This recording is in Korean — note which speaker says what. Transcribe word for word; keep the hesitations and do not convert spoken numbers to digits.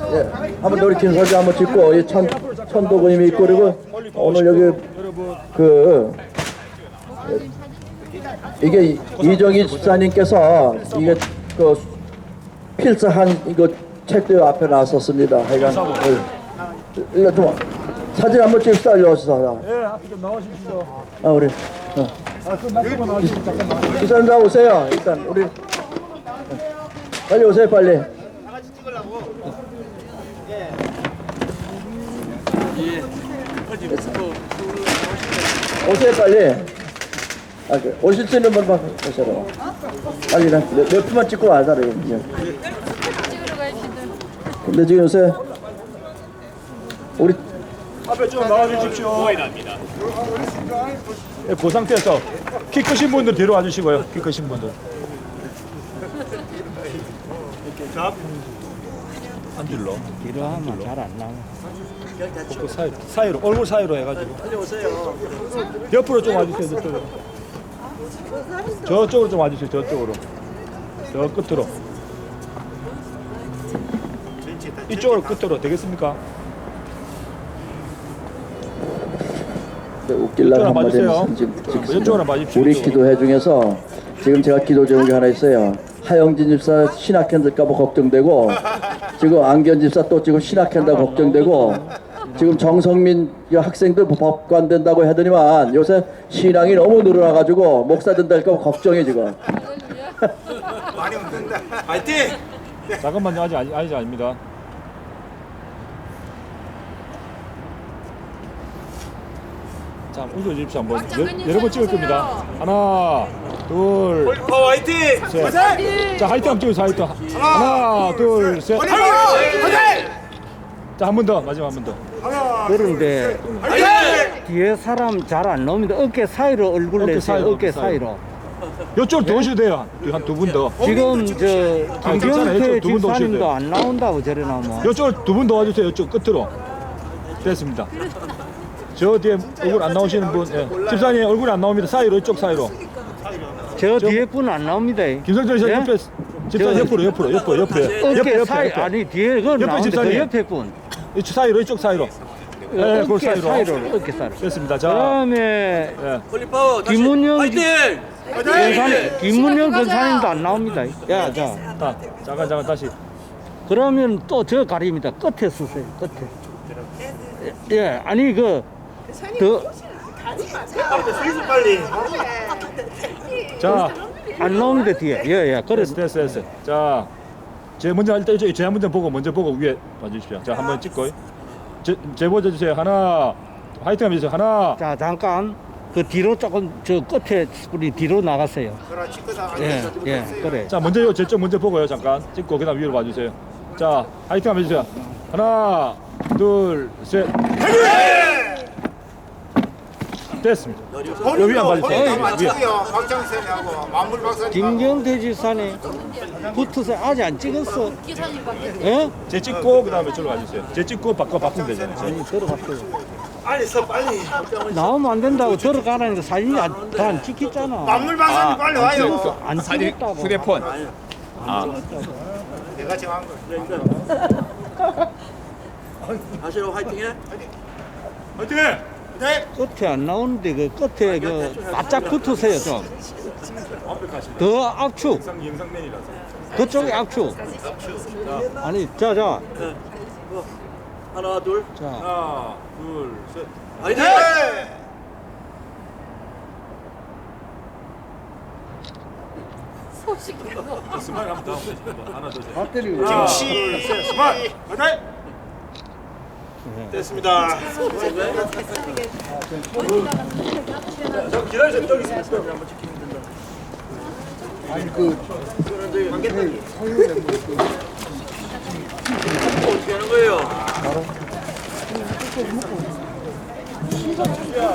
Speaker 1: 예, 한번 우리 김서지 한번 찍고 이 천 천도구님이 있고 그리고 오늘 여기 그 이게 이- 이정희 집사님께서 이게 그 필사한 이거 책도 앞에 나왔었습니다. 하여간 예. 일로 좀 사진 한번 찍읍시다. 일로 오시죠.
Speaker 2: 예, 앞에 좀 나오십시오.
Speaker 1: 아 우리 어.
Speaker 2: 아, 그 말씀만 나오시면 잠깐만.
Speaker 1: 집사님 다 오세요. 일단 우리 빨리 오세요. 빨리. 오세요 빨리. 아, 그, 오실 수 있는 분만 오세요. 빨리 나 몇, 몇 분만 찍고 와자래. 근데 지금 요새 우리
Speaker 2: 앞에 좀 나와주십시오. 예, 그 상태에서 키 크신 분들 뒤로 와주시고요. 키 크신 분들. 안 질러.
Speaker 3: 뒤로 하면 잘 안 나와.
Speaker 2: 그 사이, 사이로 얼굴 사이로 해가지고. 빨리 오세요. 옆으로 좀 와주세요. 저쪽으로. 저쪽으로 좀 와주세요. 저쪽으로. 저 끝으로. 이쪽으로 끝으로 되겠습니까?
Speaker 1: 웃길라
Speaker 2: 이쪽으로 봐주세요.
Speaker 1: 한마디는 지금
Speaker 2: 이쪽으로
Speaker 1: 찍습니다.
Speaker 2: 봐주십시오.
Speaker 1: 우리
Speaker 2: 이쪽으로.
Speaker 1: 기도회 중에서 지금 제가 기도 제목이 하나 있어요. 하영진 집사 신학현될까봐 걱정되고 지금 안견 집사 또 지금 신학현다 걱정되고 지금 정성민 학생들 법관 된다고 하더니만 요새 신앙이 너무 늘어나가지고 목사 된다니까 걱정해 지금.
Speaker 4: 많이 웃는다. 파이팅!
Speaker 2: 잠깐만요. 아직 아니, 아직 아닙니다. 자, 웃어 주십시오 한번. 여- 여러 번 찍을 겁니다. 하나, 둘,
Speaker 4: 폴리파워 화이팅!
Speaker 2: 셋.
Speaker 4: 화이팅!
Speaker 2: 자, 하이트 한번 찍어서 하이트. 하나, 둘, 셋.
Speaker 4: 폴리파워 화이팅!
Speaker 2: 자, 한 번 더. 마지막 한 번 더.
Speaker 3: 그런데
Speaker 4: 화이팅!
Speaker 3: 뒤에 사람 잘 안 나옵니다. 어깨 사이로 얼굴
Speaker 2: 어깨
Speaker 3: 내세요.
Speaker 2: 사이로,
Speaker 3: 어깨
Speaker 2: 사이로.
Speaker 3: 사이로.
Speaker 2: 이쪽으로 더 오셔도 돼요. 한 두 분 더.
Speaker 3: 지금 저
Speaker 2: 괜찮아요.
Speaker 3: 김경태
Speaker 2: 이쪽 두분더 오셔도
Speaker 3: 집사님도
Speaker 2: 돼요.
Speaker 3: 안 나온다고 저래 나오면.
Speaker 2: 이쪽으로 두 분 더 와주세요. 이쪽 끝으로. 됐습니다. 저 뒤에 얼굴 안 나오시는 분. 예. 집사님 얼굴 안 나옵니다. 사이로, 이쪽 사이로.
Speaker 3: 저 뒤에 분 안 나옵니다.
Speaker 2: 김성철 씨
Speaker 3: 예?
Speaker 2: 옆에. 집사님
Speaker 3: 저-
Speaker 2: 옆으로, 옆으로, 옆으로, 옆에.
Speaker 3: 어깨
Speaker 2: 옆에, 옆에,
Speaker 3: 사이
Speaker 2: 옆에.
Speaker 3: 아니 뒤에 그건
Speaker 2: 옆에
Speaker 3: 나오는데 그
Speaker 2: 집사님.
Speaker 3: 옆에 분.
Speaker 2: 이쪽 사이로, 이쪽 사이로. 예, 그
Speaker 3: 어깨
Speaker 2: 사이로.
Speaker 3: 사이로 어깨 사이로.
Speaker 2: 됐습니다. 자,
Speaker 3: 그다음에
Speaker 2: 예.
Speaker 4: 폴리파워 다시
Speaker 3: 김문영
Speaker 4: 화이팅!
Speaker 3: 권사님, 김문영 권사님도 안 나옵니다. 야, 자.
Speaker 2: 자, 잠깐, 잠깐 다시.
Speaker 3: 그러면 또 저 가립니다. 끝에 쓰세요. 끝에. 예, 예, 아니 그 더
Speaker 4: 스위스 빨리.
Speaker 2: 자,
Speaker 3: 안 나옵니다 뒤에. 예, 예. 그래.
Speaker 2: 됐어, 됐어, 됐어. 자, 제 먼저 일단 이쪽 제 먼저 보고 먼저 보고 위에 봐주십시오. 자, 한번 찍고. 제, 제 먼저 주세요. 하나, 화이팅 하면 주세요. 하나.
Speaker 3: 자, 잠깐 그 뒤로 조금 저 끝에 우리 뒤로 나가세요.
Speaker 4: 그렇지 그다.
Speaker 3: 예, 예, 그래.
Speaker 2: 자, 먼저 요 제쪽 먼저 보고요. 잠깐 찍고 그다음 위로 봐주세요. 자, 화이팅 하면 주세요. 하나, 둘, 셋. 됐습니다. 여기 한 봐주세요.
Speaker 4: 폴리파워 맞추고요. 박정선하고 만물 박사님.
Speaker 3: 김경태 지사님 붙으세요. 아직 안 찍었어. 예?
Speaker 2: 제 찍고 그다음에 저로 가주세요. 제 찍고 바꿔 바꾸면 되잖아요.
Speaker 3: 아니 들어갔어요.
Speaker 4: 빨리 서 빨리.
Speaker 3: 나오면 안 된다고 들어가라니까 사진이 다안 찍혔잖아.
Speaker 4: 만물 박사님 빨리 와요.
Speaker 3: 안 찍었다고.
Speaker 5: 휴대폰.
Speaker 4: 내가 정한 거.
Speaker 5: 하시로 화이팅해.
Speaker 4: 화이팅! 네.
Speaker 3: 끝에 안 나오는데 그 끝에 그 바짝 붙으세요 좀. 더 압축.
Speaker 2: 영상맨이라서.
Speaker 3: 그쪽에 압축. 아니 자자.
Speaker 5: 하나 둘.
Speaker 3: 자.
Speaker 2: 하나, 둘, 셋.
Speaker 5: 화이팅.
Speaker 4: 네.
Speaker 2: 스마일 한번 더. 하나 더.
Speaker 3: 배터리
Speaker 4: 김씨 스마일. 화이팅! 됐습니다.
Speaker 2: 저 기다리세요. 저기 있습니다. 저기 한번 찍히면 된다.
Speaker 5: 어떻게 하는 거예요?